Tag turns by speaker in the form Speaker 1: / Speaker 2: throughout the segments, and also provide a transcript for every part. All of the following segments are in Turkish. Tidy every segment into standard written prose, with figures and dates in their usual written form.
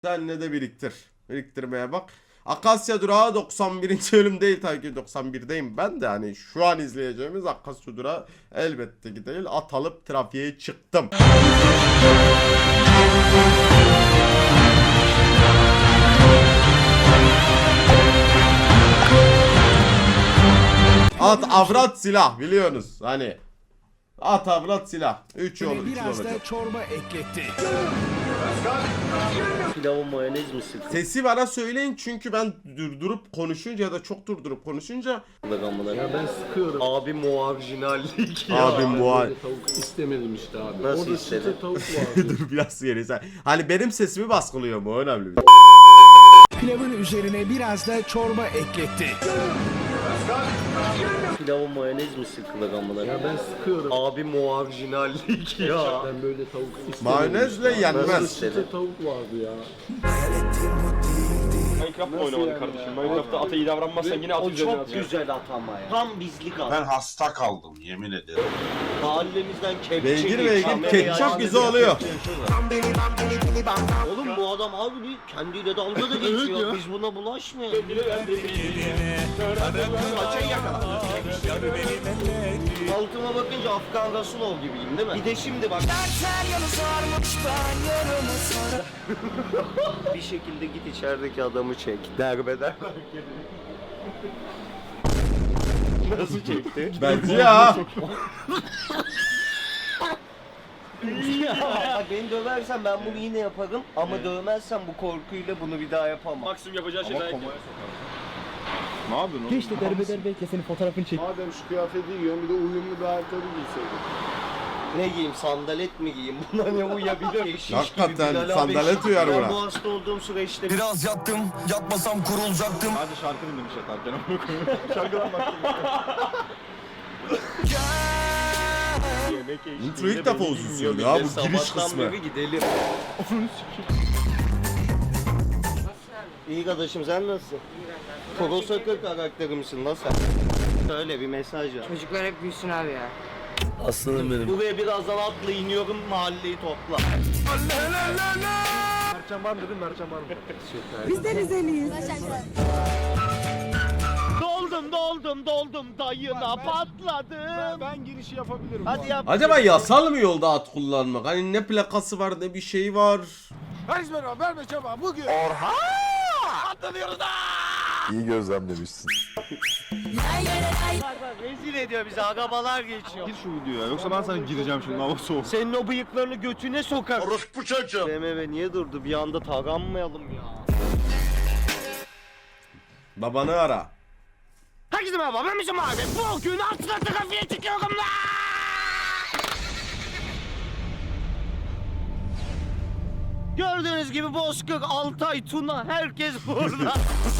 Speaker 1: Senle de biriktir. Biriktirmeye bak. Akasya Durağı 91. bölüm değil tabii ki 91'deyim ben de hani şu an izleyeceğimiz Akasya Durağı elbette ki değil. At alıp trafiğe çıktım. At, avrat, silah biliyorsunuz hani. At, avrat, silah. 3 yol, 3
Speaker 2: Biraz
Speaker 1: olacak.
Speaker 2: da çorba ekletti.
Speaker 3: Pilavı mayonez mi sıktın?
Speaker 1: Sesi bana söyleyin çünkü ben durdurup konuşunca ya da çok durdurup konuşunca
Speaker 3: Ya ben sıkıyorum. Abi muarjinallik ya.
Speaker 1: abi muha
Speaker 4: Tavuk istemedim işte abi.
Speaker 3: Nasıl
Speaker 4: Orada
Speaker 3: istedin?
Speaker 4: çıtır tavuk vardı.
Speaker 1: dur biraz geri sen. Hani benim sesimi baskılıyor mu? O önemli bir şey.
Speaker 2: Pilavın üzerine biraz da çorba ekletti.
Speaker 3: Pilavı mayonez mi sıkılır amına?
Speaker 4: Ya ben sıkıyorum.
Speaker 3: Abi muarjinallik ya.
Speaker 4: Ben böyle tavuk istemedim.
Speaker 1: Mayonezle
Speaker 4: işte.
Speaker 1: yenmez.
Speaker 3: Nasıl istedin?
Speaker 4: Çıtır tavuk vardı ya.
Speaker 5: Minecraft oynamadık kardeşim. Minecraft'ta ata iyi davranmazsan yine at
Speaker 3: O
Speaker 5: üzerine
Speaker 3: çok
Speaker 5: atıyor.
Speaker 3: güzel at ama ya. Tam bizlik at.
Speaker 6: Ben hasta kaldım yemin ederim.
Speaker 3: Mahallemizden kepçe
Speaker 1: Beygir
Speaker 3: geç,
Speaker 1: beygir,
Speaker 3: kamerayı
Speaker 1: ketçap
Speaker 3: aç,
Speaker 1: güzel oluyor.
Speaker 3: Oğlum bu adam abi bir kendiyle dalga da geçiyor. Biz buna bulaşmayalım. Altıma bakınca Afgan Rasulov gibiyim değil mi? Bir de şimdi bak. Bir şekilde git içerideki adamı çek. Derbeder. Nasıl çekti?
Speaker 1: Bence ya.
Speaker 3: Bak beni döversen ben bunu yine yaparım ama dövmezsen bu korkuyla bunu bir daha yapamam.
Speaker 5: Maksimum yapacağı şey dayak yemek.
Speaker 6: Ne yapıyorsun oğlum?
Speaker 7: İşte derbeder bekle senin fotoğrafını çek.
Speaker 4: Madem şu kıyafeti giyiyorum bir de uyumlu bir ayakkabı giyseydin.
Speaker 3: Ne giyeyim, sandalet mi giyeyim? Buna ne uyabilir? Şiş
Speaker 1: Hakikaten
Speaker 3: gibi Bilal abi.
Speaker 1: sandalet uyar
Speaker 3: Ben
Speaker 1: buna.
Speaker 3: bu hasta olduğum süreçte
Speaker 8: Biraz yattım, yatmasam kurulacaktım.
Speaker 6: Hadi şarkı dinlemiş yatarken. Şarkıdan bak.
Speaker 3: yemek eşliğinde
Speaker 1: Intro ilk defa
Speaker 3: beni
Speaker 1: uzun
Speaker 3: dinliyor
Speaker 1: sürdü ya,
Speaker 3: millet.
Speaker 1: bu giriş
Speaker 3: Sabahtan
Speaker 1: kısmı.
Speaker 3: beri gidelim. İyi kardeşim sen nasılsın? Koro Sakır karakteri misin lan sen? Öyle bir mesaj var.
Speaker 9: Çocuklar hep büyüsün abi ya.
Speaker 3: Aslanım benim. Buraya birazdan atla iniyorum mahalleyi topla.
Speaker 4: Mertcan var mı dedim, Mertcan var mı?
Speaker 9: Biz de Rizeliyiz.
Speaker 3: Doldum dayına patladım.
Speaker 4: Ben girişi yapabilirim.
Speaker 3: Hadi yap.
Speaker 1: Acaba yasal mı yolda at kullanmak? Hani ne plakası var ne bir şey var.
Speaker 4: Herkes merhaba, verme çaba. Bugün.
Speaker 6: İyi gözlemlemişsin.
Speaker 3: Bak, rezil ediyor bizi arabalar geçiyor.
Speaker 6: Gir şu videoya yoksa ben sana gireceğim şimdi hava soğuk.
Speaker 3: Senin o bıyıklarını götüne sokar.
Speaker 6: Orospu çocuğum.
Speaker 3: BMW niye durdu? Bir anda taranmayalım ya.
Speaker 1: Babanı ara.
Speaker 3: Herkese merhaba ben Müslüm abi. Bugün atla trafiğe çıkıyorum lan. Gördüğünüz gibi Bozkır, Altay, Tuna herkes burada.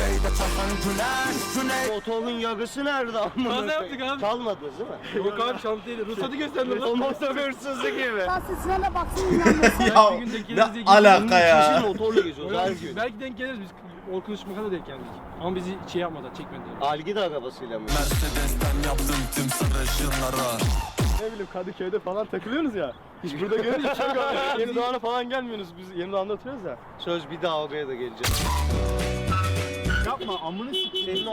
Speaker 3: Motorun yarısı nerede amına?
Speaker 5: Nasıl yaptık abi?
Speaker 3: Çalmadınız değil mi?
Speaker 5: Yok abi şans değil. Ruhsatı gösterdim
Speaker 3: O
Speaker 5: lan.
Speaker 3: motor hırsızı gibi.
Speaker 9: Sesine baksın inanmasın.
Speaker 1: Ya
Speaker 5: bir gün denk
Speaker 1: ne
Speaker 5: geliriz diye
Speaker 1: alaka
Speaker 3: Siz
Speaker 1: ya.
Speaker 3: motorla geziyoruz her gün.
Speaker 5: Belki denk geliriz biz. Orkun Işmak'a da denk geldik. Ama bizi şey yapmadan çekmedi.
Speaker 3: Algida arabasıyla mı?
Speaker 8: Mercedes'ten yaptım tüm sarışınlara.
Speaker 4: Ne bileyim Kadıköy'de falan takılıyorsunuz ya. Hiç burada görünce çok Yeni Doğan'a falan gelmiyorsunuz. Biz Yeni Doğan'da oturuyoruz ya.
Speaker 3: Söz bir daha oraya da geleceğiz.
Speaker 4: Yapma amını sikeyim.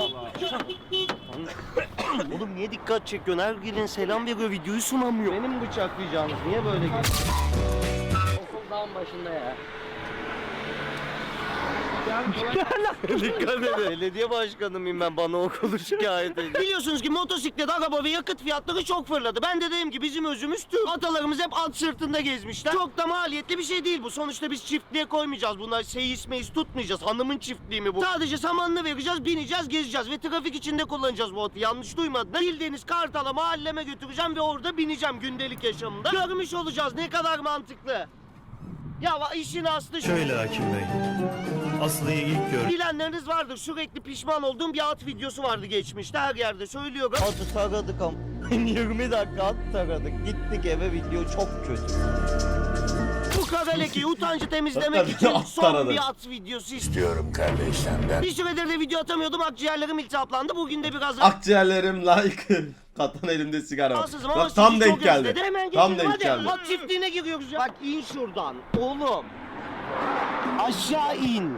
Speaker 3: Oğlum niye dikkat çekiyorsun? Her gelin selam veriyor, videoyu sunamıyor. Benim bıçaklayacağınız niye böyle geliyor? Okul dağın başında ya. Dikkat edin. Belediye başkanı mıyım ben, bana okulu şikayet edin. Biliyorsunuz ki motosiklet, araba ve yakıt fiyatları çok fırladı. Ben de dedim ki bizim özümüz Türk. Atalarımız hep at sırtında gezmişler. Çok da maliyetli bir şey değil bu. Sonuçta biz çiftliğe koymayacağız. Bunlar seyis meyiz tutmayacağız. Hanımın çiftliği mi bu? Sadece samanını vereceğiz, bineceğiz, gezeceğiz ve trafik içinde kullanacağız bu atı. Yanlış duymadınız. Bildiğiniz Kartal'a mahalleme götüreceğim ve orada bineceğim gündelik yaşamımda. Görmüş olacağız ne kadar mantıklı. Ya işin aslı şu.
Speaker 8: Şöyle Hakim Bey, Aslı'yı ilk gör.
Speaker 3: Bilenleriniz vardır. Sürekli pişman olduğum bir at videosu vardı geçmişte. Her yerde söylüyorum. Atı taradık ama. 20 dakika at taradık. Gittik eve, video çok kötü. Bu kara lekeyi, utancı temizlemek
Speaker 1: Hakikaten
Speaker 3: için
Speaker 1: at
Speaker 3: son
Speaker 1: taradık.
Speaker 3: bir at videosu istiyorum kardeşimden. Bir süredir de video atamıyordum. Akciğerlerim iltihaplandı. Bugün de biraz
Speaker 1: Akciğerlerim like. Katan elimde sigara var.
Speaker 3: rahatsızım ama
Speaker 1: Bak tam
Speaker 3: sizi
Speaker 1: denk
Speaker 3: çok
Speaker 1: geldi.
Speaker 3: özledim. Hemen
Speaker 1: Tam
Speaker 3: geçelim
Speaker 1: denk
Speaker 3: hadi.
Speaker 1: geldi.
Speaker 3: At çiftliğine giriyoruz ya. Bak in şuradan. Oğlum. Aşağı in.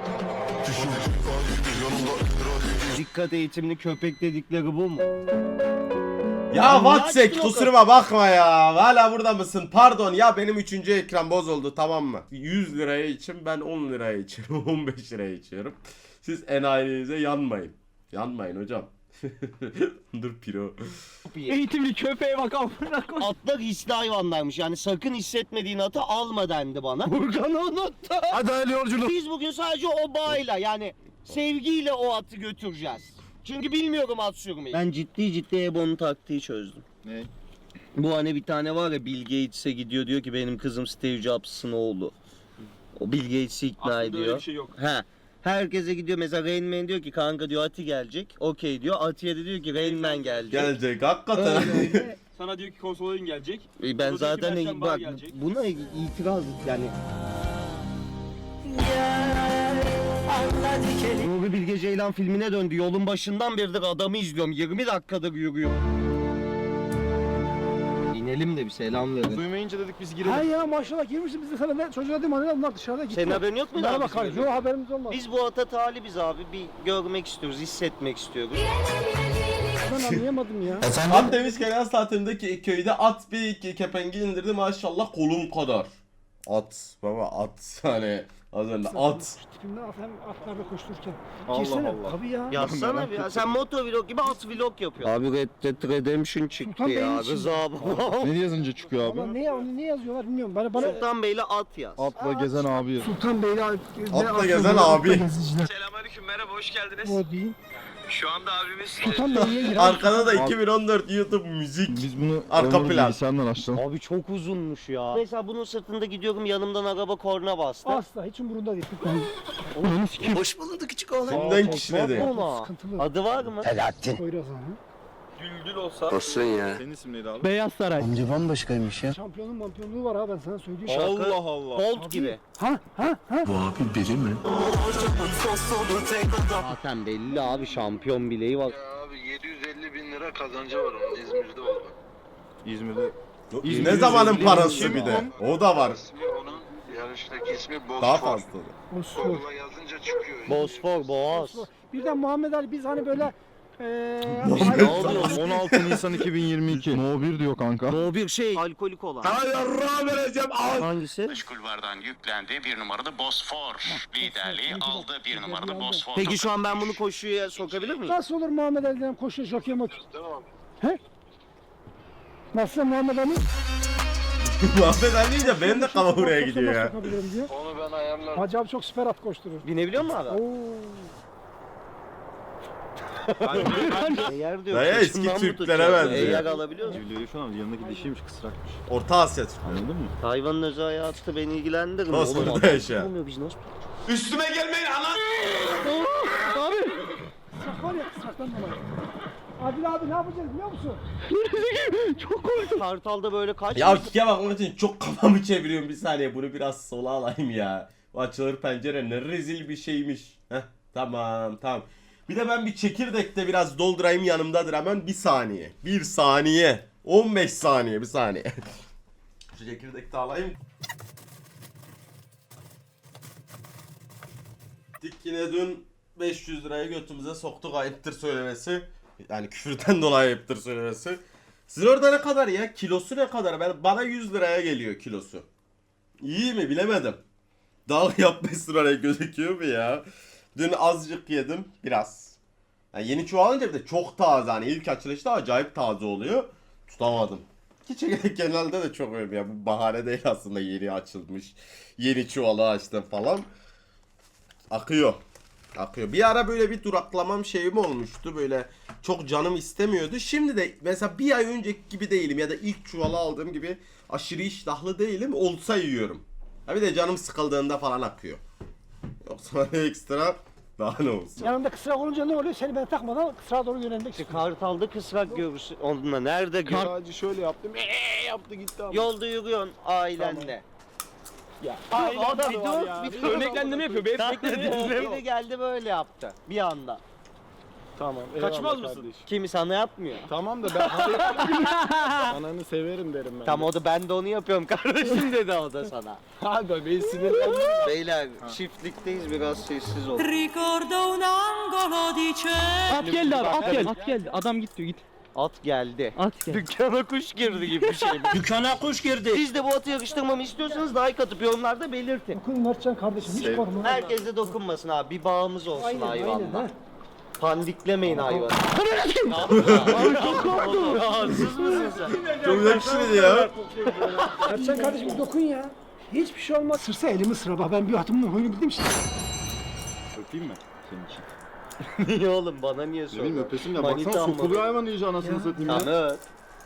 Speaker 3: Dikkat eğitimli köpek dedikleri bu mu?
Speaker 1: Ya
Speaker 3: niye
Speaker 1: WhatsApp
Speaker 3: açtın o
Speaker 1: kusuruma bakma ya. Hala burada mısın? Pardon ya, benim 3. ekran bozuldu, tamam mı? 100 liraya için ben 10 liraya içiyorum. 15 liraya içiyorum. Siz enayinize yanmayın. Yanmayın hocam. Dur piro.
Speaker 5: Eğitimli köpeğe bak amına koy.
Speaker 3: Atlar hisli hayvanlarmış. Yani sakın hissetmediğin atı alma dendi bana. Burkan'ı unuttu.
Speaker 8: Hadi hayırlı yolculuk.
Speaker 3: Biz bugün sadece o bağıyla, yani sevgiyle o atı götüreceğiz. Çünkü bilmiyorum at sürmeyi. Ben ciddi Ebo'nun taktiği çözdüm.
Speaker 6: Ne?
Speaker 3: Bu hani bir tane var ya, Bill Gates'e gidiyor, diyor ki benim kızım Steve Jobs'ın oğlu. O Bill Gates'i ikna
Speaker 5: Aslında
Speaker 3: ediyor.
Speaker 5: öyle bir şey yok.
Speaker 3: He. Herkese gidiyor, mesela Rain Man diyor ki kanka diyor Ati gelecek. Okey diyor. Atiye de diyor ki Rain Man gelecek.
Speaker 1: Gelecek hakikaten.
Speaker 5: Sana diyor ki konsolun gelecek.
Speaker 3: Ben
Speaker 5: Diyor ki
Speaker 3: zaten
Speaker 5: Perşembe
Speaker 3: bak
Speaker 5: gelecek.
Speaker 3: buna itiraz yani. Nuri Bilge Ceylan filmine döndü. Yolun başından beridir adamı izliyorum. 20 dakikadır yürüyorum. İnelim de bir selam verin.
Speaker 6: Duymayınca dedik biz
Speaker 2: Ha
Speaker 6: girelim.
Speaker 2: ya maşallah girmişsin biz de sana ne çocuğa dedim hani onlar dışarıda gitti.
Speaker 3: Senin haberin yok mu?
Speaker 2: Merhaba
Speaker 3: daha bizim
Speaker 2: kardeşim.
Speaker 3: gibi?
Speaker 2: Yok haberimiz olmaz.
Speaker 3: Biz bu ata talibiz abi. Bir görmek istiyoruz, hissetmek istiyoruz.
Speaker 2: Ben anlayamadım ya.
Speaker 1: At demişken yaz tatilindeki köyde at bir iki kepengi indirdi, maşallah kolum kadar. At baba, at hani az önce at.
Speaker 2: Tipimden hem atlarda koştururken.
Speaker 6: Allah
Speaker 2: Girsene.
Speaker 6: Allah.
Speaker 2: Tabii ya.
Speaker 3: Yazsana bir ya. Sen motovlog gibi at vlog yapıyorsun. Abi Red Dead Redemption çıktı
Speaker 2: Sultan Bey'in
Speaker 3: ya.
Speaker 2: için.
Speaker 3: Rıza baba.
Speaker 6: Ne yazınca çıkıyor
Speaker 2: Ama
Speaker 6: abi?
Speaker 2: ne yazıyorlar bilmiyorum. Bana
Speaker 3: Sultan Bey'le at yaz.
Speaker 6: Atla gezen abi.
Speaker 2: Sultan Bey'le
Speaker 1: Atla gezen abi.
Speaker 5: Selamünaleyküm, merhaba, hoş geldiniz.
Speaker 2: O değil.
Speaker 5: Şu anda abimiz
Speaker 2: Sultan Bey'e gir.
Speaker 1: Arkada da 2014 YouTube müzik.
Speaker 6: Biz bunu
Speaker 1: Arka
Speaker 6: Onur
Speaker 1: plan.
Speaker 6: bilgisayardan açalım.
Speaker 3: Abi çok uzunmuş ya. Mesela bunun sırtında gidiyorum, yanımdan araba korna bastı.
Speaker 2: Asla hiç umurunda değil.
Speaker 3: Hoş bulduk küçük oğlan.
Speaker 1: Kimden kişnedi?
Speaker 2: Sıkıntılı.
Speaker 3: Adı var mı?
Speaker 2: Poyraz abi.
Speaker 5: Düldül olsa.
Speaker 6: Senin isim neydi abi?
Speaker 7: Beyaz Saray.
Speaker 2: Şampiyonun mampiyonluğu var ha ben sana söyleyeyim.
Speaker 3: Şaka.
Speaker 6: Allah Allah.
Speaker 3: Bolt gibi.
Speaker 2: Ha.
Speaker 3: Zaten belli abi, şampiyon bileği var.
Speaker 10: Abi 750 bin lira kazancı var onun İzmir'de oldu.
Speaker 6: İzmir'de.
Speaker 1: Ne zamanın parası bir de. O da var.
Speaker 10: İsmi onun yarıştaki ismi Bosfor.
Speaker 1: Daha fazla.
Speaker 2: Osfor.
Speaker 10: Google'a yazınca çıkıyor.
Speaker 3: Bosfor, Boğaz.
Speaker 2: Birden Muhammed Ali biz hani böyle
Speaker 3: Ne oluyor?
Speaker 6: 16 Nisan 2022. No 1 diyor kanka.
Speaker 3: O bir şey alkolik olan. Hangisi?
Speaker 10: Kulvardan yüklendi. Bir numaralı Bosfor. Liderliği aldı. Bir numaralı Bosfor.
Speaker 3: Peki şu an ben bunu koşuya sokabilir miyim?
Speaker 2: nasıl olur Muhammed Ali'den koşuyor jockey motor?
Speaker 10: Tamam.
Speaker 2: Nasıl Muhammed Ali?
Speaker 1: Muhabbet Ali de benim de kafa buraya gidiyor ya.
Speaker 2: Sokabilirim diyor.
Speaker 10: Onu ben ayarlarım.
Speaker 2: Hacı abi çok süper at koşturur.
Speaker 3: Binebiliyor musun abi?
Speaker 2: Oo.
Speaker 3: Eğer diyor.
Speaker 1: Dayı eski
Speaker 3: kıçından mı
Speaker 1: Türklere
Speaker 3: tutacağız?
Speaker 1: benziyor.
Speaker 3: Eğer alabiliyor musun?
Speaker 6: Biliyor şu an yanındaki dişiymiş kısrakmış.
Speaker 1: Orta Asya.
Speaker 6: Anladın mı?
Speaker 3: Hayvanın özel hayatı beni ilgilendirmiyor.
Speaker 1: Nasıl
Speaker 3: Oğlum,
Speaker 1: burada
Speaker 3: adam
Speaker 1: yaşa?
Speaker 3: olmuyor, biz nasıl?
Speaker 1: Üstüme gelmeyin ana.
Speaker 2: Kısrak var ya kısraktan dolayı. Adil abi ne yapacağız biliyor musun?
Speaker 3: Kartal'da böyle kaç
Speaker 1: Ya kike bakmak için çok kafamı çeviriyorum, bir saniye bunu biraz sola alayım ya. Bu açılır pencere ne rezil bir şeymiş. Heh, tamam. Bir de ben bir çekirdekte biraz doldurayım, yanımdadır hemen, bir saniye. 1 saniye. 15 saniye, bir saniye. Şu çekirdekte alayım. Dik yine dün 500 liraya götümüze soktuk, ayıptır söylemesi. Yani küfürden dolayı ayıptır söylemesi. Sizin orada ne kadar ya? Kilosu ne kadar? Bana 100 liraya geliyor kilosu. İyi mi bilemedim. Dal yapmış liraya gözüküyor mu ya? Dün azıcık yedim biraz. Yani yeni çoğalınca bir de çok taze, hani ilk açılışta acayip taze oluyor. Tutamadım. Ki çekirdek genelde de çok öyle ya. Bu bahane değil aslında, yeni açılmış. Yeni çuvalı açtım falan. Akıyor. Bir ara böyle bir duraklamam şeyim olmuştu. Böyle çok canım istemiyordu. Şimdi de mesela bir ay önceki gibi değilim. Ya da ilk çuvalı aldığım gibi aşırı iştahlı değilim. Olsa yiyorum. Ha bir de canım sıkıldığında falan akıyor. Yoksa ekstra daha ne olsun.
Speaker 2: Yanında kısrak olunca ne oluyor? Seni ben takmadan kısrağa doğru yönelmek istiyorum.
Speaker 3: Kartal'da kısrak görürsün. Onunla nerede gör?
Speaker 6: Sadece şöyle yaptım. Yaptı gitti abi.
Speaker 3: Yolda yürüyorsun ailenle.
Speaker 5: Adam
Speaker 3: bir
Speaker 5: var
Speaker 3: dur,
Speaker 5: ya.
Speaker 3: bir dur.
Speaker 5: Örneklendirme yapıyor. Benim
Speaker 3: Biri geldi böyle yaptı bir anda.
Speaker 4: Tamam.
Speaker 5: Kaçmaz
Speaker 4: eyvallah
Speaker 5: mısın?
Speaker 4: kardeşim.
Speaker 3: Kimi sana yapmıyor.
Speaker 4: Tamam da ben ananı severim derim ben.
Speaker 3: Tam o da ben de onu yapıyorum kardeşim dedi o da sana.
Speaker 4: Abi beni sinirlendim.
Speaker 3: Beyler çiftlikteyiz biraz sessiz ol.
Speaker 7: At geldi abi at geldi. At geldi. Adam git diyor git.
Speaker 3: At geldi.
Speaker 7: At geldi.
Speaker 3: Dükkana kuş girdi gibi bir şey. Dükkana kuş girdi. Siz de bu atı yakıştırmamı istiyorsanız like atıp yorumlarda belirtin.
Speaker 2: Dokun Mertcan kardeşim hiç korkma.
Speaker 3: Herkes de dokunmasın abi. Bir bağımız olsun hayvanla. Pandiklemeyin hayvanı. Abi çok korktum. Rahatsız mısın sen?
Speaker 1: Çok yakışırdı ya.
Speaker 2: Mertcan kardeşim dokun ya. Hiçbir şey olmaz. Sırsa elimi sıra bak ben bir atımın huyunu bildim işte.
Speaker 6: Öpeyim mi senin için?
Speaker 3: Niye oğlum bana niye
Speaker 6: Ne bileyim
Speaker 3: soruyorsun?
Speaker 6: öpesim ya.
Speaker 3: Manita
Speaker 6: Baksana
Speaker 3: mı?
Speaker 6: sokuluyor hayvan iyice anasını satayım ya.
Speaker 3: Tamam öp.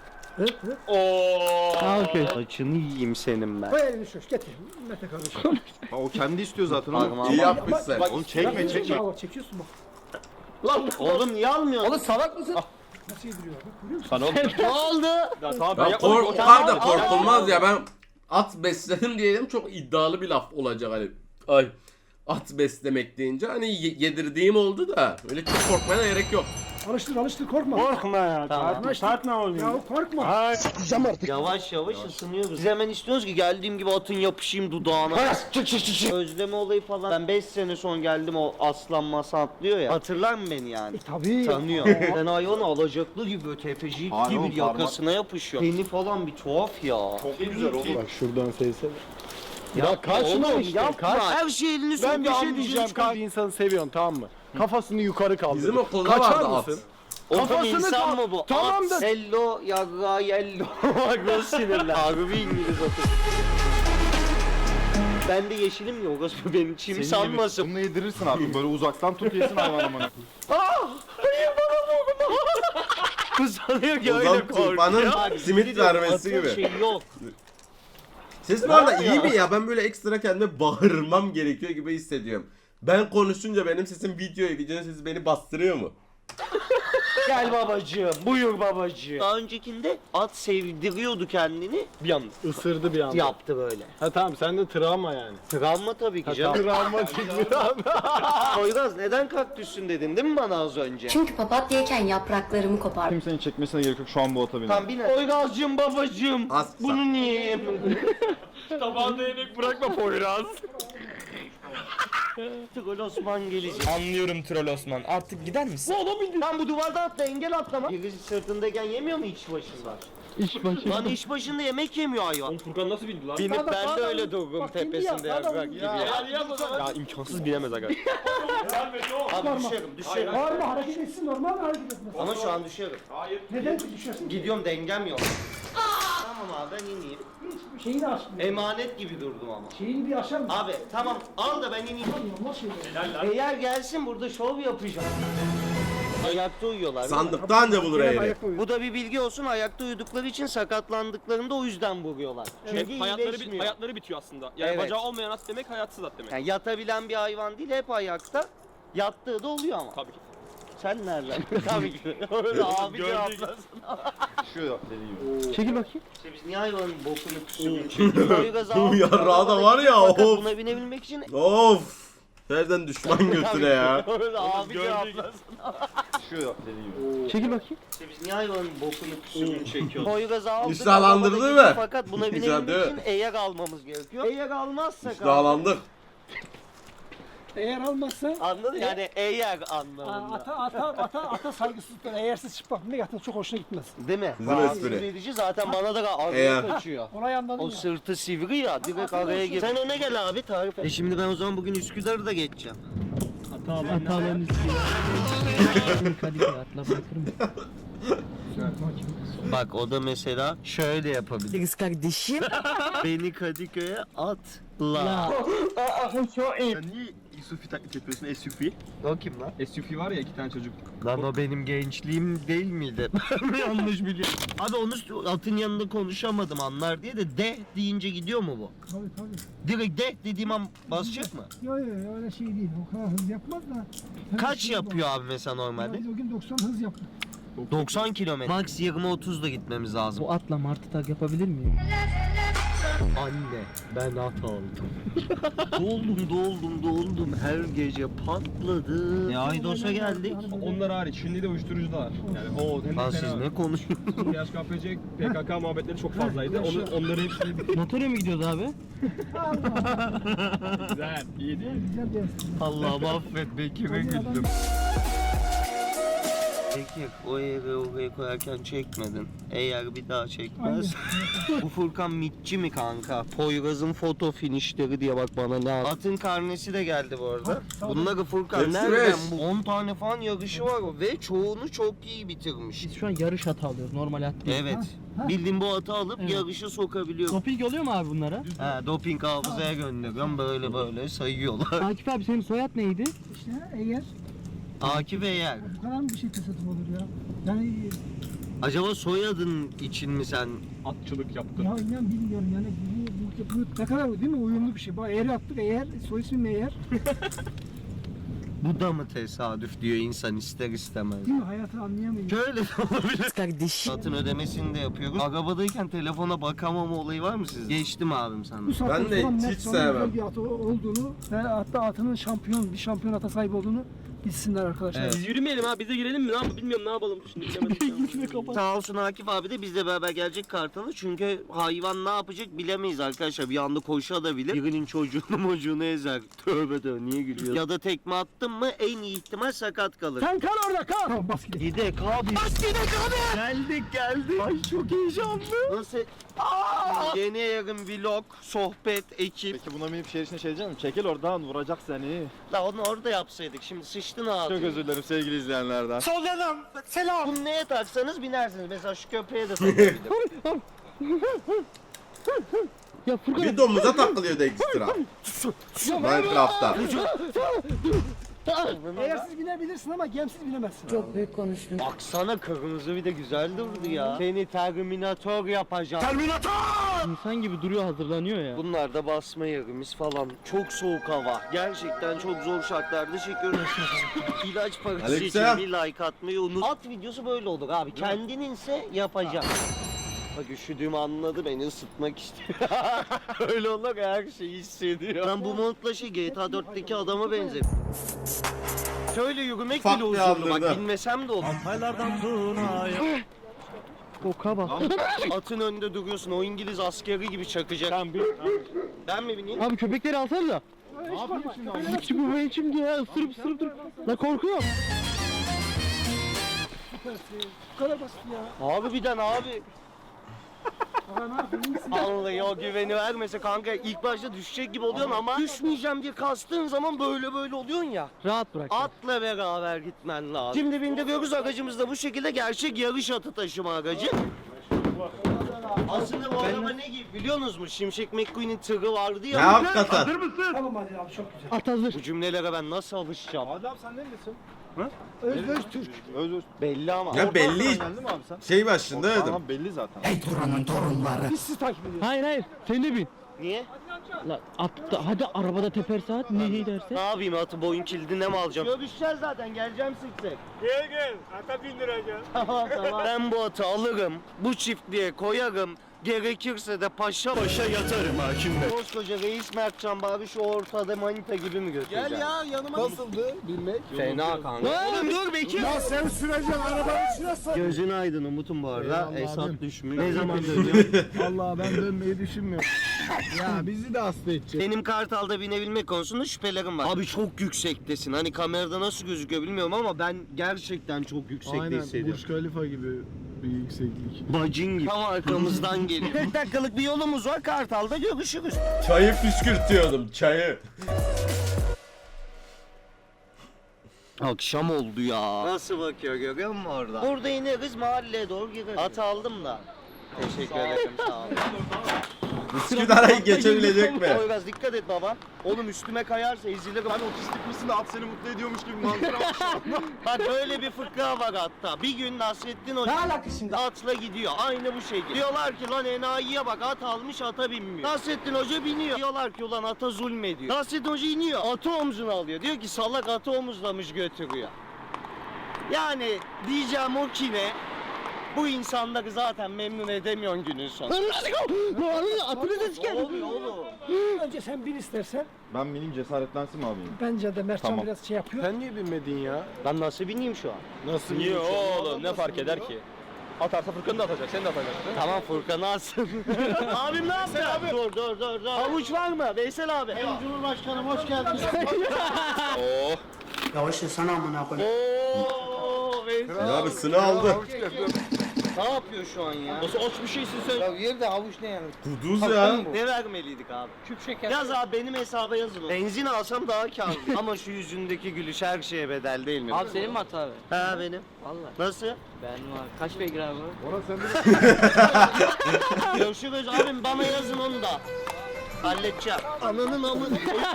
Speaker 7: Ha okey.
Speaker 3: Saçını yiyeyim senin ben.
Speaker 2: Koy elini şu getir. Mete kardeşim.
Speaker 6: Ha, o kendi istiyor zaten onu.
Speaker 3: Parmağım.
Speaker 1: İyi yapmışsın.
Speaker 6: Oğlum çekme çekme.
Speaker 2: Bak çekiyorsun bak.
Speaker 3: Oğlum niye almıyorsun?
Speaker 7: Oğlum salak mısın?
Speaker 2: Nasıl yediriyor bak görüyor musun?
Speaker 3: Ne oldu?
Speaker 5: Ya tamam ben
Speaker 1: Ya
Speaker 5: yapmadım.
Speaker 1: korkar da korkulmaz ya, ben at besledim diyelim çok iddialı bir laf olacak hani. Ay at beslemek deyince hani yedirdiğim oldu da öyle çok korkmaya gerek yok.
Speaker 2: Alıştır korkma.
Speaker 4: Korkma ya.
Speaker 3: Tamam.
Speaker 4: Tartma oğlum.
Speaker 2: Ya korkma. Sıkacağım artık.
Speaker 3: Yavaş yavaş ısınıyoruz. Biz hemen istiyoruz ki geldiğim gibi atın yapışayım dudağına. Özleme olayı falan. Ben 5 sene sonra geldim o aslan masa atlıyor ya. Hatırlar mı beni yani?
Speaker 2: Tabii.
Speaker 3: Tanıyor. Ben hayvanı alacaklı gibi böyle tefeci
Speaker 6: Hayır oğlum,
Speaker 3: gibi yakasına yapışıyor. Teni falan bir tuhaf ya.
Speaker 6: Çok güzel oğlum.
Speaker 4: Bak şuradan sevsene.
Speaker 3: Ya
Speaker 4: kaçma
Speaker 3: oğlum,
Speaker 4: işte,
Speaker 3: yapma.
Speaker 4: kaç.
Speaker 3: Her şey elini sür.
Speaker 4: Ben bir şey diyeceğim. Bir insanı seviyorsun tamam mı? Kafasını yukarı kaldır.
Speaker 1: Bizim okulda
Speaker 4: Kaçar
Speaker 1: vardı at.
Speaker 4: mısın?
Speaker 3: Oğlum
Speaker 4: Kafasını
Speaker 3: insan
Speaker 4: kal-
Speaker 3: mı bu?
Speaker 4: Tamam
Speaker 3: At,
Speaker 4: da-
Speaker 3: Hello yaga yello. Bak nasıl sinirli. Harbi İngiliz atı. Ben de yeşilim ya orası benim çim
Speaker 6: Senin
Speaker 3: sanmasın.
Speaker 6: Bununla yedirirsin abi. Böyle uzaktan tut yesin hayvan amına.
Speaker 3: Hayır bana dokunma. Bu sanıyor ki öyle
Speaker 1: Ozan
Speaker 3: korkuyor.
Speaker 1: Tufan'ın
Speaker 3: Bak,
Speaker 1: simit
Speaker 3: bir de atın
Speaker 1: vermesi gibi.
Speaker 3: Şey yok.
Speaker 1: Ses bu arada iyi mi ya? Ben böyle ekstra kendime bağırmam gerekiyor gibi hissediyorum. Ben konuşunca benim sesim videonun sesi beni bastırıyor mu?
Speaker 3: Gel babacığım, buyur babacığım. Daha öncekinde at sevdiriyordu kendini.
Speaker 5: Bir anda.
Speaker 4: Isırdı bir anda.
Speaker 3: Yaptı böyle.
Speaker 4: Ha tamam sende travma yani.
Speaker 3: Travma tabii ki canım.
Speaker 4: Travmatik bir anda.
Speaker 3: Poyraz neden kaktüsün dedin değil mi bana az önce?
Speaker 9: Çünkü papatyayken yapraklarımı kopar.
Speaker 6: Kimsenin çekmesine gerek yok. Şu an bu ata binin.
Speaker 3: Tam bine. Poyraz'cığım babacığım.
Speaker 1: Az
Speaker 3: Bunu niye yemedin?
Speaker 5: Tabağında yemek bırakma Poyraz.
Speaker 3: Troll Osman gelecek.
Speaker 8: Anlıyorum Troll Osman. Artık gider misin?
Speaker 3: Lan bu duvarda atla engel atlama. Birisi sırtındayken yemiyor mu iç başında?
Speaker 7: İş başı.
Speaker 3: Lan iş başında yemek yemiyor hayvan.
Speaker 5: Oğlum Furkan nasıl bindi lan?
Speaker 3: Binip ben de
Speaker 2: sağdan.
Speaker 3: öyle durdum
Speaker 2: Bak, indi
Speaker 3: tepesinde
Speaker 2: ya, sağdan
Speaker 3: yaprak
Speaker 2: indi
Speaker 3: gibi
Speaker 2: ya.
Speaker 3: ya.
Speaker 5: Ya imkansız binemez aga.
Speaker 3: Abi düşerim.
Speaker 2: Bağırma hareket etsin normal hareket etmez.
Speaker 3: Ama şu an düşerim.
Speaker 2: Neden düşüyorsun?
Speaker 3: Gidiyorum dengem yok. Tamam abi ben ineyim.
Speaker 2: Şeyini açmıyor.
Speaker 3: Emanet gibi durdum ama.
Speaker 2: Şeyini bir açar mısın?
Speaker 3: Abi tamam al da ben ineyim.
Speaker 2: Normal şeyler.
Speaker 3: Eğer gelsin burada şov yapacağım. Ayakta uyuyorlar. değil mi?
Speaker 1: Sandıkta anca bulur
Speaker 2: Gene
Speaker 1: eğri.
Speaker 2: ayakta uyuyor.
Speaker 3: Bu da bir bilgi olsun. Ayakta uyudukları için sakatlandıklarında o yüzden vuruyorlar. Çünkü iyileşmiyor.
Speaker 5: Hayatları bitiyor aslında. Yani
Speaker 3: Evet.
Speaker 5: bacağı olmayan at demek hayatsız at demek.
Speaker 3: Yani yatabilen bir hayvan değil hep ayakta. Yattığı da oluyor ama.
Speaker 5: Tabii ki.
Speaker 3: Sen nereden? Tabii ki. Öyle abi cevaplasın.
Speaker 6: Şu dediği gibi.
Speaker 7: Çekil bakayım.
Speaker 3: İşte biz niye hayvanın bokunu küsürünü çekiyoruz?
Speaker 1: Bu yarrağı da var ya, of.
Speaker 3: Buna binebilmek için
Speaker 1: Of! Nereden düşman götüre ya?
Speaker 3: öyle abi cevaplasın.
Speaker 6: Şu dediği gibi.
Speaker 7: Çekil bakayım.
Speaker 3: İşte biz niye hayvanın bokunu küsürünü çekiyoruz? Poyraz'ı aldık.
Speaker 1: İştahlandırdı
Speaker 3: arabada
Speaker 1: mı?
Speaker 3: gidiyor Fakat buna
Speaker 1: Güzel
Speaker 3: binebilmek
Speaker 1: değil mi?
Speaker 3: için eğer almamız gerekiyor. Eğer almazsak abi.
Speaker 1: Dağlandık.
Speaker 2: Eğer almazsa
Speaker 3: Anladın yani eğer anlamında.
Speaker 2: ata saygısızlıklar. Eğersiz çıplak ne yaptın çok hoşuna gitmez.
Speaker 3: Değil mi?
Speaker 1: Bizim
Speaker 3: Rahatsız
Speaker 1: espri.
Speaker 3: edici zaten bana da araya
Speaker 1: Eğer.
Speaker 3: kaçıyor.
Speaker 2: Olay anladın
Speaker 3: O
Speaker 2: ya.
Speaker 3: sırtı sivri ya direkt araya gir. Sen öne gel abi tarif et. Şimdi ben o zaman bugün Üsküdar'ı da geçeceğim.
Speaker 7: Hataların üstüne. Kadıköy atla bırakır mısın?
Speaker 3: Bak o da mesela şöyle yapabilir.
Speaker 9: Kız kardeşim.
Speaker 3: Beni Kadıköy'e atla.
Speaker 6: Sen niye Sufi taklit yapıyorsun SUV?
Speaker 3: O kim lan?
Speaker 4: SUV var ya 2 tane çocuk.
Speaker 3: Lan o benim gençliğim değil miydi? Ben mi yanlış biliyorum? Abi onu atın yanında konuşamadım anlar diye de de deyince gidiyor mu bu?
Speaker 2: Tabii.
Speaker 3: Direkt de dediğim an basacak mı?
Speaker 2: Yok öyle şey değil. O kadar hız yapmaz da.
Speaker 3: Kaç yapıyor abi mesela normalde?
Speaker 2: Biz o gün 90 hız yaptık.
Speaker 3: 90 kilometre. Max 20-30'da gitmemiz lazım.
Speaker 7: Bu atla martı tak yapabilir miyim?
Speaker 3: Anne ben at aldım. doldum her gece patladı. Ne Aydos'a geldik.
Speaker 5: Onlar hariç şimdi de uyuşturucu da var. Yani o hem
Speaker 3: Lan
Speaker 5: de
Speaker 3: siz
Speaker 5: fena.
Speaker 3: ne konuşuyorsunuz?
Speaker 5: PHKPC, PKK muhabbetleri çok fazlaydı. Onları hepsini
Speaker 7: Motora mı gidiyoruz abi?
Speaker 5: güzel, iyi değil.
Speaker 3: Allah'ım affet Bekir'e güldüm. Bekir o yeri oraya koyarken çekmedin. Eğer bir daha çekmez. Bu Furkan mitçi mi kanka? Poyraz'ın foto finişleri diye bak bana ne al. Atın karnesi de geldi bu arada. Bunları Furkan
Speaker 1: Hepsi
Speaker 3: nereden?
Speaker 1: beş.
Speaker 3: Bu 10 tane falan yarışı var ve çoğunu çok iyi bitirmiş.
Speaker 7: Biz şu an yarış atı alıyoruz. Normal at değil.
Speaker 3: Evet. Bildiğin bu atı alıp
Speaker 7: Evet.
Speaker 3: yarışa sokabiliyorum.
Speaker 7: Doping oluyor mu abi bunlara?
Speaker 3: He, doping hafızaya gönderiyorum böyle sayıyorlar.
Speaker 7: Akif abi senin soyad neydi?
Speaker 2: İşte eğer
Speaker 3: Akif Eyer.
Speaker 2: bu kadar mı bir şey tesadüf olur ya? Yani
Speaker 3: Acaba soyadın için mi sen?
Speaker 5: Atçılık yaptın.
Speaker 2: ya inan bilmiyorum yani bu ne kadar değil mi uyumlu bir şey. Bak eğer attık eğer soy ismim eğer
Speaker 3: Bu da mı tesadüf diyor insan ister istemez.
Speaker 2: değil mi hayatı anlayamıyor.
Speaker 3: Şöyle de olabilir. Kardeşim. Satın ödemesini de yapıyoruz. Arabadayken telefona bakamama olayı var mı sizde? Geçtim abim sana.
Speaker 2: Bu saatten
Speaker 1: Ben de
Speaker 2: sonra
Speaker 1: hiç
Speaker 2: net sonra
Speaker 1: sevmem.
Speaker 2: güzel bir atı olduğunu ve hatta atının bir şampiyon ata sahip olduğunu bilsinler arkadaşlar.
Speaker 5: Biz yürümeyelim ha, bize girelim mi? Ne yapalım bilmiyorum, ne yapalım şimdi bilemedim.
Speaker 3: Sağ olsun Akif abi de bizle beraber gelecek Kartal'a. Çünkü hayvan ne yapacak bilemeyiz arkadaşlar. Bir anda koşabilir. Birinin çocuğunu ezer. Tövbe niye gülüyorsun? Ya da tekme attın mı en iyi ihtimal sakat kalır.
Speaker 2: Sen kal orada kal. Tamam bas gidelim.
Speaker 3: Gidek abi. Geldik. Ay çok heyecanlı. Nasıl? Yeni yarın vlog, sohbet, ekip.
Speaker 4: Peki buna binip şehir içine şey diyecek misin? Çekil oradan vuracak seni.
Speaker 3: La onu orada yapsaydık. Şimdi sıçtın abi.
Speaker 4: Çok özür dilerim sevgili izleyenlerden.
Speaker 3: Selam. Bunu neye taksanız binersiniz. Mesela şu köpeğe de takabilirim.
Speaker 7: Ya Furkan
Speaker 1: Bir domuza takılıyordu ekstra. Minecraft'ta.
Speaker 2: Eğer siz binebilirsin ama gemsiz binemezsin.
Speaker 9: Çok büyük konuştun.
Speaker 3: Baksana kırmızı bir de güzel durdu ya. Seni Terminator yapacağım.
Speaker 7: insan gibi duruyor hazırlanıyor ya.
Speaker 3: Bunlar da basma yerimiz falan. Çok soğuk hava. Gerçekten çok zor şartlarda çekiyoruz. İlaç parası için
Speaker 1: Aleykümselam.
Speaker 3: bir like atmayı unut. At videosu böyle olur abi. Kendininse yapacak. Bak üşüdüğümü anladı, beni ısıtmak istiyor. Öyle olur ya, her şeyi hissediyor. Ben bu montla şey GTA 4'teki adama benzedim. Şöyle yürümek
Speaker 1: Ufak
Speaker 3: bile
Speaker 1: bir
Speaker 3: huzurlu bak,
Speaker 1: andırdı.
Speaker 3: bilmesem de olur.
Speaker 7: Boka bak.
Speaker 3: Atın önünde duruyorsun, o İngiliz askeri gibi çakacak. Ben mi bineyim?
Speaker 7: Abi köpekleri alsana da. Ne yapayım şimdi abi? Hiç bu benim şimdi ya ısırıp dur. La korkuyorum.
Speaker 2: Bu kadar basit ya.
Speaker 3: Harbiden abi.
Speaker 2: Aa, ne yapayım?
Speaker 3: Vallahi o güveni vermese kanka ilk başta düşecek gibi oluyorsun ama düşmeyeceğim diye kastığın zaman böyle oluyorsun ya.
Speaker 7: Rahat bırak.
Speaker 3: Atla beraber gitmen lazım. Şimdi bindiriyoruz, aracımız da bu şekilde gerçek yarış atı taşıma aracı. Aslında bu araba ne gibi biliyorsunuz mu? Şimşek McQueen'in tırı vardı
Speaker 1: Ne
Speaker 3: ya.
Speaker 1: hakikaten.
Speaker 2: Tamam hadi abi çok güzel.
Speaker 7: At hazır.
Speaker 3: Bu cümlelere ben nasıl alışacağım?
Speaker 4: Adam sen neredesin?
Speaker 2: Öz Türk.
Speaker 4: Özür.
Speaker 3: Belli ama.
Speaker 1: Ya belli.
Speaker 4: Geldin mi abi sen?
Speaker 1: Şey başında dedim.
Speaker 4: Tamam belli zaten.
Speaker 2: Biz sizi takip ediyoruz.
Speaker 7: Hayır sen de bin.
Speaker 3: Niye?
Speaker 7: La atta hadi arabada teper saat ne derse.
Speaker 3: Ne yapayım, atı boyun kilidine mi alacağım? Görüşeceğiz zaten, geleceğim sık sık.
Speaker 5: Gel, ata bindireceğim.
Speaker 3: Tamam. Ben bu atı alırım, bu çiftliğe koyarım. Gerekirse de paşa yatarım hakim bey. Koskoca reis Mertcan bari şu ortada manita gibi mi götüreceğim? Gel ya yanıma. Nasıldı bilmek? Fena kanka. Oğlum dur Bekir.
Speaker 2: Ya sen süreceksin arabanın içine sar.
Speaker 3: Gözün aydın Umut'um bu arada.
Speaker 4: Eyvallah
Speaker 3: Esat
Speaker 4: abim.
Speaker 3: düşmüş. Ne zaman dönüyor?
Speaker 4: Allah ben dönmeyi düşünmüyorum. Ya bizi de hasta edecek.
Speaker 3: Benim Kartal'da binebilmek konusunda şüphelerim var. Abi çok yüksektesin. Hani kamerada nasıl gözüküyor bilmiyorum ama ben gerçekten çok yüksekte hissediyorum.
Speaker 4: Khalifa gibi bir yükseklik.
Speaker 3: Bacın gibi. Tam arkamızdan geliyor. 40 dakikalık bir yolumuz var. Kartal'da görüşürüz.
Speaker 1: Çayı püskürtüyordum çayı.
Speaker 3: Akşam oldu ya. Nasıl bakıyor görüyor musun orada? Burada ineriz, mahalleye doğru gireriz. At aldım da. Teşekkür ederim, sağ olun.
Speaker 1: Üsküdar'ı geçebilecek mi?
Speaker 3: Biraz dikkat et baba. Oğlum üstüme kayarsa ezilirim.
Speaker 4: Hani otistik misin de at seni mutlu ediyormuş gibi manzara var şu anda.
Speaker 3: Bak böyle bir fıkra var hatta. Bir gün Nasrettin Hoca atla gidiyor. Aynı bu şekilde. Diyorlar ki lan enayiye bak, at almış ata binmiyor. Nasrettin Hoca biniyor. Diyorlar ki ulan ata zulmediyor. Nasrettin Hoca iniyor. Atı omzuna alıyor. Diyor ki salak atı omuzlamış götürüyor. Yani diyeceğim o ki ne? Bu insanları zaten memnun edemiyorsun günün sonunda. Ne oluyor oğlum?
Speaker 2: Önce sen bin istersen.
Speaker 6: Ben benim cesaretlensin mi abiyim?
Speaker 2: Bence de Mertcan
Speaker 6: Tamam.
Speaker 2: biraz şey yapıyor.
Speaker 4: Sen niye binmedin ya?
Speaker 3: Ben nasıl bineyim şu an?
Speaker 4: Nasıl Niye oğlum ne fark eder ki? Atarsa Furkan'ı da atacak, sen de atacaksın.
Speaker 3: Tamam Furkan'ı alsın. Abim ne yaptı? Dur. Havuç var mı? Veysel abi.
Speaker 7: Cumhurbaşkanım hoş geldiniz.
Speaker 4: Oo.
Speaker 7: Yavaş sana amına koyayım.
Speaker 3: Ooo Veysel
Speaker 1: Ya abisini aldı.
Speaker 3: Ne yapıyor şu an ya?
Speaker 4: Nasıl aç bir şeysin sen?
Speaker 7: Ya yerde havuç ne yani?
Speaker 1: Kuduz ya.
Speaker 3: Ne vermeliydik abi?
Speaker 7: Küp şeker.
Speaker 3: Yaz abi benim hesaba yazın. Benzin alsam daha kârlı. Ama şu yüzündeki gülüş her şeye bedel değil mi?
Speaker 5: Abi senin mi hata abi?
Speaker 3: Ha benim.
Speaker 5: Valla.
Speaker 3: Nasıl?
Speaker 5: Ben var. Kaç beygir abi?
Speaker 3: Görüşürüz abim bana yazın onu da. Halledeceğim. Ananın amı.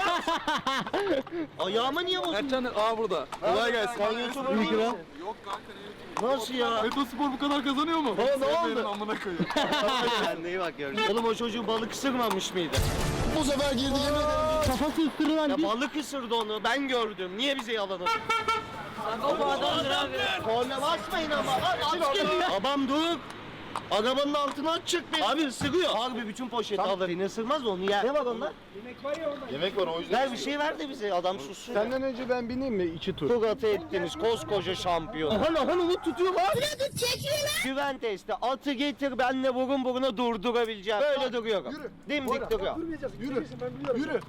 Speaker 3: Ayağıma niye bozdun?
Speaker 4: Mertcan burada. Kolay gelsin.
Speaker 3: Sen YouTuber değil misin? Nasıl ya?
Speaker 4: Metospor bu kadar kazanıyor mu?
Speaker 3: Ne oldu?
Speaker 4: Amına koyayım.
Speaker 3: Kendine iyi bak görürsün. Oğlum o çocuğu balık ısırmamış mıydı?
Speaker 7: Bu sefer girdi yemin ederim. Kafası ısırılan
Speaker 3: Ya balık ısırdı onu. Ben gördüm. Niye bize yalan atıyorsun?
Speaker 5: O adamdır abi.
Speaker 3: Korna basmayın ama. Aç geliyor. Babam dur. Arabanın altına aç çık bir. Abi ısırıyor. Harbi bütün poşeti alır. Seni ısırmaz da onu yer. Ne var onda?
Speaker 2: Yemek var ya orada.
Speaker 6: Yemek var o yüzden.
Speaker 3: Ver bir şey ver de bize. Adam sussun.
Speaker 4: Senden önce ben bineyim mi? 2 tur.
Speaker 3: Çok atı ettiniz koskoca şampiyon. Aha onu tutuyor lan. Güven testi. Atı getir benle burun buruna durdurabileceğim. Böyle duruyorum. Dimdik duruyor.
Speaker 2: Durmayacağız. Yürü. Ben biliyorum.
Speaker 4: Yürü.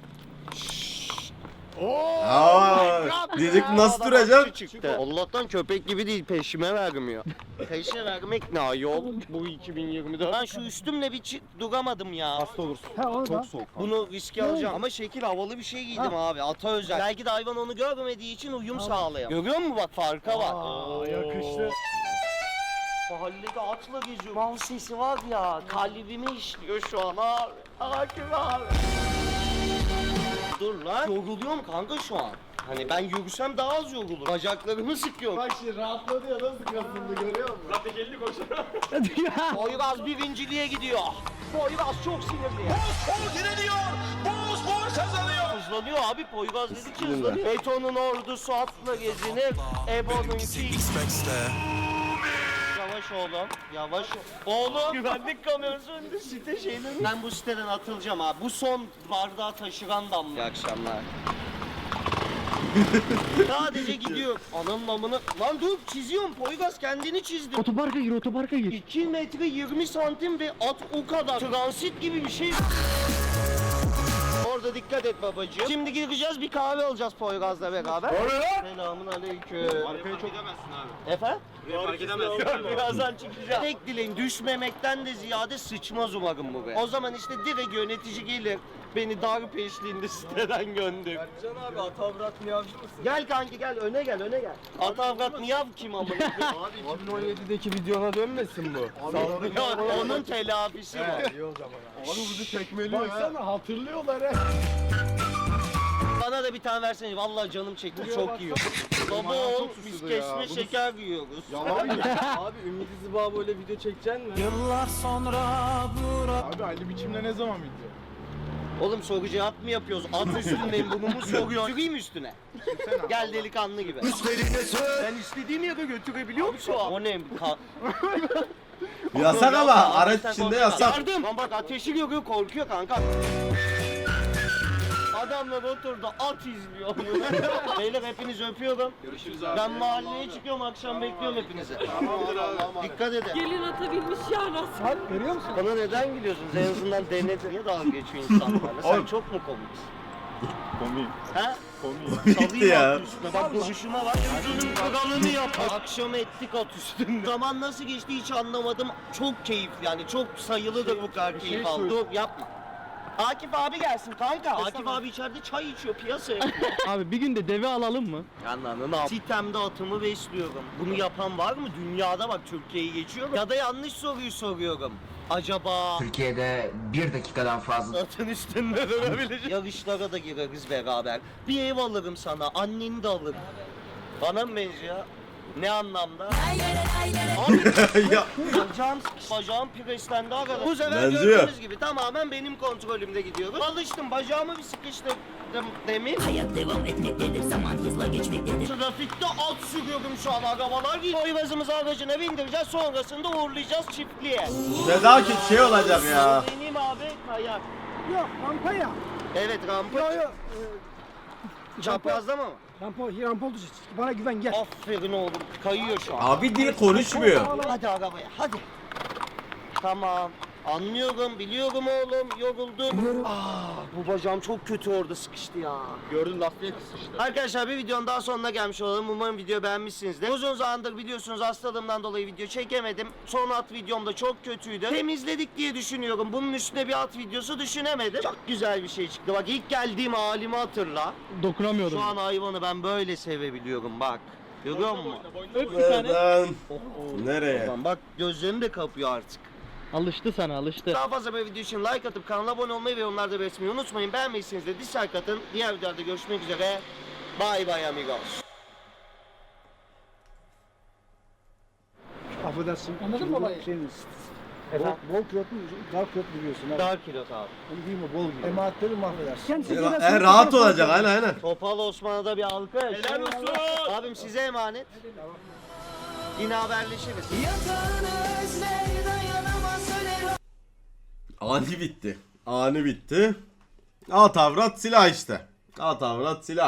Speaker 1: Aa, diyecek nasıl
Speaker 3: Adam
Speaker 1: duracağım?
Speaker 3: atçı çıktı. Allah'tan köpek gibi değil peşime vermiyor. Peşine vermek ne ayol bu 2024. Ben şu üstümle bir duramadım ya.
Speaker 4: Hasta olursun.
Speaker 2: Ha onu da.
Speaker 6: Çok soğuk.
Speaker 3: Bunu riske alacağım. Ama şekil havalı bir şey giydim abi. Ata özel. Belki de hayvan onu görmediği için uyum sağlayamıyor. Görüyor musun bak farka bak.
Speaker 4: Yakıştı.
Speaker 3: Mahallede atla geziyor. Mal sesi var ya kalbime işliyor şu an abi. Hakim abi. Dur lan. Yoruluyorum kanka şu an. Hani ben yürüsem daha az yorulur. Bacaklarımı sıkıyorum.
Speaker 7: Bak şimdi rahatladı ya nasıl kasıldı görüyor musun?
Speaker 4: Zaten geldi koşar.
Speaker 3: Poyraz birinciliğe gidiyor. Poyraz çok sinirli. Bozfor direniyor. Bozfor kazanıyor. Hızlanıyor abi. Poyraz dedi ki hızlanıyor. Betonun ordusu atla gezinir. Ebo'nunki... Yavaş oğlum. Yavaş oğlum. Güvenlik kamerası önünde site şeyleri. Ben bu siteden atılacağım abi. Bu son bardağı taşıran damla. İyi akşamlar. Sadece gidiyor. Ananın amına. Lan dur çiziyorum. Poyraz kendini çizdi.
Speaker 7: Otoparka gir otoparka gir.
Speaker 3: 2 metre 20 santim ve at o kadar. Transit gibi bir şey. Orada dikkat et babacığım. Şimdi gireceğiz bir kahve alacağız Poyraz'la beraber. Selamun aleyküm.
Speaker 4: Arkaya çok gidemezsin abi.
Speaker 3: Efendim?
Speaker 4: Fark edemezsin.
Speaker 3: Birazdan çıkacağım. Tek dileğim düşmemekten de ziyade sıçmaz umarım buraya. O zaman işte direkt yönetici gelir. Beni darp eşliğinde siteden gönder.
Speaker 4: Can abi Atavrat miyavcı mısın?
Speaker 3: Gel kanki gel öne gel öne gel. Atavrat miyav kim amına?
Speaker 4: Abi 2017'deki videona dönmesin bu.
Speaker 3: Yok onun telafisi var.
Speaker 4: İyi o zaman. Abi bizi tekmeliyor ha.
Speaker 2: Baksana hatırlıyorlar he.
Speaker 3: Bana da bir tane versene. Vallahi canım çekti çok iyi. Baba ol biz kesme şeker yiyoruz.
Speaker 4: Yalan mı? Abi Ümit İzba böyle video çekeceksin mi? Abi Ali biçimle ne zaman video?
Speaker 3: Oğlum soru cevap mı yapıyoruz? At üstündeyim burnumu soruyor. Süreyim üstüne. Gel delikanlı gibi. Ben istediğim yere götürebiliyor musun? O ne?
Speaker 1: Yasak ama araç içinde yasak.
Speaker 3: Yardım. Lan bak ateşi görüyor korkuyor kanka. Adamlar oturdu at izliyor. Beyler hepinizi öpüyorum.
Speaker 4: Görüşürüz abi.
Speaker 3: Ben mahalleye çıkıyorum akşam bekliyorum hepinizi.
Speaker 4: Tamamdır abi.
Speaker 3: Dikkat edin.
Speaker 9: Gelin atabilmiş ya nasıl?
Speaker 2: Bak görüyor musun?
Speaker 3: Bana neden gülüyorsunuz? En azından denedi. Niye dalga geçiyor insanlarla? Sen
Speaker 1: Oğlum.
Speaker 3: çok mu komiksin?
Speaker 6: Komik.
Speaker 3: Ha?
Speaker 6: Komik.
Speaker 1: Gitti
Speaker 3: Salayım
Speaker 1: ya.
Speaker 3: at üstüne. Bak duruşuma bak. Gözünün kralını yap. Akşam ettik at üstünde. Zaman nasıl geçti hiç anlamadım. Çok keyifli yani. Çok sayılıdır bu kadar keyif aldım. Dur yapma. Akif abi gelsin kanka. Akif abi içeride çay içiyor piyasaya.
Speaker 7: Abi bir gün de deve alalım mı?
Speaker 3: Anladın mı? Sitemde atımı besliyorum. Bunu yapan var mı? Dünyada bak Türkiye'yi geçiyorum. Ya da yanlış soruyu soruyorum. Acaba
Speaker 11: Türkiye'de 1 dakikadan fazla
Speaker 3: atın üstünde durabilecek. Yarışlara da gireriz beraber. Bir ev alırım sana, anneni de alırım. Bana mı benziyor? Ne anlamda? Abi
Speaker 1: Ya,
Speaker 3: bacağım preslendi arkadaşlar. Bu sefer
Speaker 1: Benziyor.
Speaker 3: gördüğünüz gibi tamamen benim kontrolümde gidiyorum. Alıştım bacağımı bir sıkıştırdım demin.
Speaker 9: Hayat devam etmektedir, zaman hızla geçmektedir.
Speaker 3: Trafikte at sürüyorum şu an arabalar. Boyvazımızı aracına bindireceğiz, sonrasında uğurlayacağız çiftliğe.
Speaker 1: Nezaket şey olacak ya.
Speaker 3: Benim abi kayak.
Speaker 2: Yok rampa ya.
Speaker 3: Evet rampa.
Speaker 2: Yok yok.
Speaker 3: Çaprazda mı?
Speaker 2: Rampa oldu. Bana güven gel.
Speaker 3: Aferin oğlum. Kayıyor şu an.
Speaker 1: Abi dil konuşmuyor.
Speaker 3: Hadi arabaya hadi. Tamam. Anlıyorum, biliyorum oğlum. Yoruldum. Bu bacağım çok kötü orada sıkıştı ya.
Speaker 6: Gördün lastiğe kısıştı.
Speaker 3: Arkadaşlar bir videonun daha sonuna gelmiş olalım. Umarım video beğenmişsinizdir. Uzun zamandır biliyorsunuz hastalığımdan dolayı video çekemedim. Son at videom da çok kötüydü. Temizledik diye düşünüyorum. Bunun üstüne bir at videosu düşünemedim. Çok güzel bir şey çıktı. Bak ilk geldiğim halimi hatırla.
Speaker 7: Dokunamıyordum.
Speaker 3: Şu an hayvanı ben böyle sevebiliyorum bak. Görüyor musun?
Speaker 7: Öp bir tane.
Speaker 1: Nereden? Nereye?
Speaker 3: Tamam, bak gözlerini de kapıyor artık.
Speaker 7: Alıştı sana alıştı.
Speaker 3: Daha fazla böyle video için like atıp kanala abone olmayı ve yorumlarda belirtmeyi unutmayın. Beğenmeyseniz de dislike atın. Diğer videolarda görüşmek üzere. Bye bye amigos.
Speaker 2: Affedersin.
Speaker 5: Anladın mı olayı?
Speaker 3: Efendim?
Speaker 2: Bol kilotlu, dar kilotlu biliyorsun.
Speaker 3: Dar kilot abi.
Speaker 2: Onu giyme bol giy. Emaatleri mahvedersin. Kendisi
Speaker 1: Rahat olacak aynen.
Speaker 3: Topal Osman'a da bir alkış. Helal olsun. Abim size emanet. Yine haberleşiriz.
Speaker 1: Ani bitti. Ani bitti. At avrat silah işte. At avrat silah.